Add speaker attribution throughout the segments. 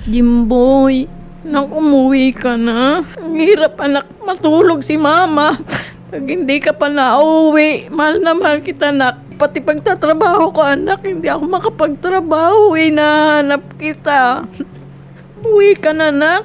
Speaker 1: Jimboy, nang umuwi ka na. Ang hirap anak, matulog si mama. Pag hindi ka pa nauwi, mahal na mahal kita anak. Pati pagtatrabaho ko anak, hindi ako makapagtrabaho. Hinahanap kita. Uwi ka na anak.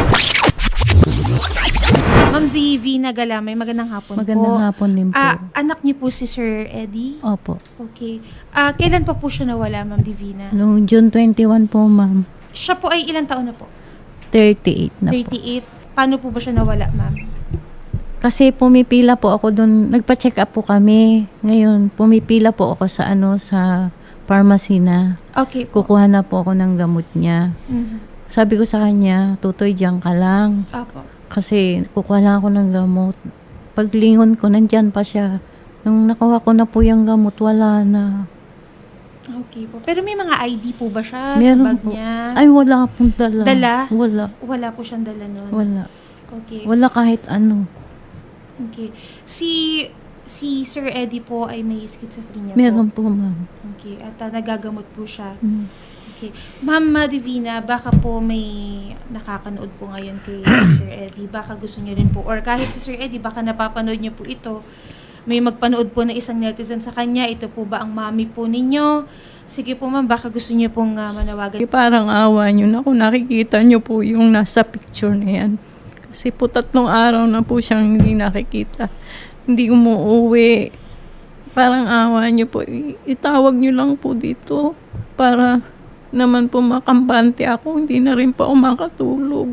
Speaker 2: Ma'am Divina Galamay, magandang hapon po.
Speaker 3: Magandang hapon din po.
Speaker 2: Anak niyo po si Sir Eddie?
Speaker 3: Opo.
Speaker 2: Okay. Kailan pa po siya nawala, Ma'am Divina?
Speaker 3: Noong June 21 po, ma'am.
Speaker 2: Siya po ay ilang taon na po?
Speaker 3: 38 na po.
Speaker 2: 38. Paano po ba siya nawala, Ma'am?
Speaker 3: Kasi pumipila po ako doon. Nagpa-check up po kami. Ngayon, pumipila po ako sa sa pharmacy na.
Speaker 2: Okay po.
Speaker 3: Kukuha na po ako ng gamot niya.
Speaker 2: Mhm.
Speaker 3: Sabi ko sa kanya, tutoy diyan ka lang.
Speaker 2: Apo.
Speaker 3: Kasi kukuha lang ako ng gamot. Paglingon ko, nandyan pa siya. Nung nakuha ko na po yung gamot, wala na.
Speaker 2: Okay po. Pero may mga ID po ba siya
Speaker 3: Meron
Speaker 2: sa bag
Speaker 3: po.
Speaker 2: niya?
Speaker 3: Ay, wala pong dala.
Speaker 2: Dala?
Speaker 3: Wala.
Speaker 2: Wala po siyang dala nun?
Speaker 3: Wala.
Speaker 2: Okay.
Speaker 3: Wala kahit ano.
Speaker 2: Okay. Si Sir Eddie po ay may schizophrenia
Speaker 3: Meron
Speaker 2: po?
Speaker 3: po, ma'am.
Speaker 2: Okay. At nagagamot po siya?
Speaker 3: Mm.
Speaker 2: Okay. Ma'am Divina, baka po may nakakanood po ngayon kay Sir Eddie. Baka gusto niyo rin po. Or kahit si Sir Eddie, baka napapanood niyo po ito. May magpanood po na isang netizen sa kanya. Ito po ba ang mami po ninyo? Sige po ma'am, baka gusto niyo pong manawagan.
Speaker 1: Parang awa nyo na kung nakikita nyo po yung nasa picture na yan. Kasi po 3 araw na po siyang hindi nakikita. Hindi umuuwi. Parang awa nyo po. Itawag nyo lang po dito para naman po makampante ako. Hindi na rin po ako makatulog.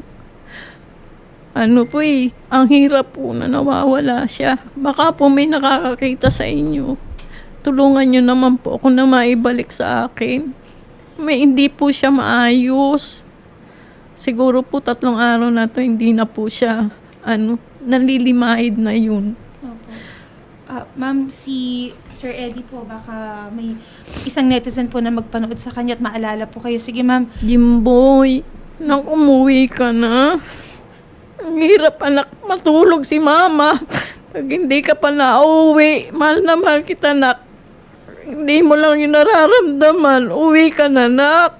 Speaker 1: Ano po ang hirap po na nawawala siya. Baka po may nakakakita sa inyo. Tulungan nyo naman po ako na maibalik sa akin. May hindi po siya maayos. Siguro po 3 araw na to hindi na po siya nalilimahid na yun.
Speaker 2: Opo. Ma'am, si Sir Eddie po, baka may isang netizen po na magpanood sa kanya at maalala po kayo. Sige ma'am.
Speaker 1: Jimboy, nang umuwi ka na. Ang hirap anak, matulog si mama. Pag hindi ka pa nauwi, mahal na mahal kita anak. Hindi mo lang yung nararamdaman, uwi ka na anak.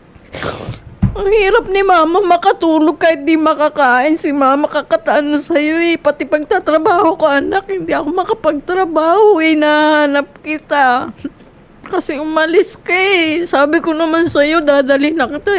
Speaker 1: Ang hirap ni mama makatulog kahit di makakain. Si mama kakataan na sa'yo Pati pagtatrabaho ko anak, hindi ako makapagtrabaho. Hinahanap kita. Kasi umalis ka Sabi ko naman sa'yo, dadalhin na kita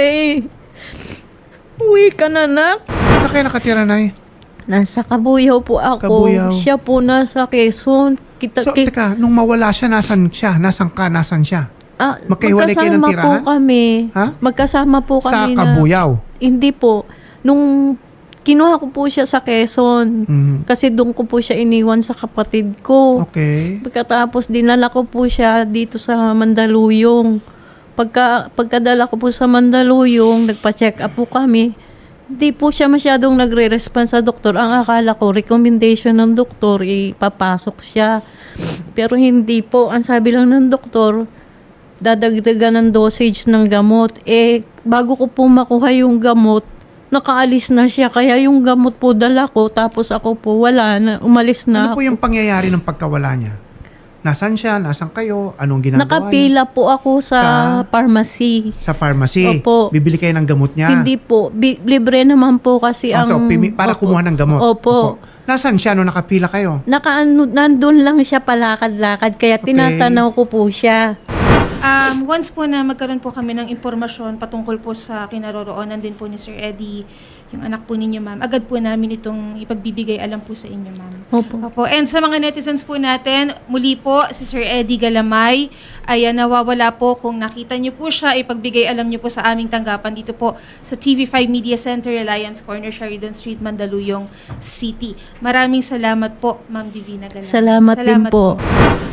Speaker 1: Uwi ka na anak.
Speaker 4: Saan kayo nakatira, Nay?
Speaker 3: Nasa Kabuyaw po ako.
Speaker 4: Kabuyaw.
Speaker 3: Siya po nasa Quezon.
Speaker 4: So, teka, nung mawala siya, nasan siya? Nasan ka? Nasan siya? Magkahiwalay kayo ng
Speaker 3: magkasama
Speaker 4: tirahan?
Speaker 3: po kami.
Speaker 4: Ha?
Speaker 3: Magkasama po
Speaker 4: Sa
Speaker 3: kami
Speaker 4: Kabuyaw?
Speaker 3: Hindi po. Nung kinuha ko po siya sa Quezon.
Speaker 4: Mhm.
Speaker 3: Kasi doon ko po siya iniwan sa kapatid ko.
Speaker 4: Okay.
Speaker 3: Pagkatapos dinala ko po siya dito sa Mandaluyong. Pagkadala ko po sa Mandaluyong, nagpa-check up po kami. Hindi po siya masyadong nagre-response sa doktor. Ang akala ko, recommendation ng doktor, ipapasok siya. Pero hindi po. Ang sabi lang ng doktor, dadagdagan ng dosage ng gamot. Bago ko po makuha yung gamot, nakaalis na siya. Kaya yung gamot po dala ko, tapos ako po wala na, umalis na
Speaker 4: Ano po yung pangyayari ng pagkawala niya? Nasaan siya? Nasaan kayo? Anong ginagawa niya?
Speaker 3: Nakapila po ako sa pharmacy.
Speaker 4: Sa pharmacy?
Speaker 3: Opo.
Speaker 4: Bibili kayo ng gamot niya?
Speaker 3: Hindi po. Libre naman po kasi ang...
Speaker 4: Para
Speaker 3: Opo.
Speaker 4: kumuha ng gamot?
Speaker 3: Opo.
Speaker 4: Nasaan siya nung nakapila kayo?
Speaker 3: Nandun lang siya palakad-lakad. Kaya
Speaker 4: Okay.
Speaker 3: tinatanaw ko po siya.
Speaker 2: Once po na magkaroon po kami ng impormasyon patungkol po sa kinaroroonan din po ni Sir Eddie, yung anak po ninyo, ma'am, agad po namin itong ipagbibigay alam po sa inyo, ma'am.
Speaker 3: Opo.
Speaker 2: And sa mga netizens po natin, muli po, si Sir Eddie Galamay ay nawawala po. Kung nakita niyo po siya, ipagbigay alam niyo po sa aming tanggapan dito po sa TV5 Media Center, Alliance Corner, Sheridan Street, Mandaluyong City. Maraming salamat po, Ma'am Divina Galamay.
Speaker 3: Salamat din po.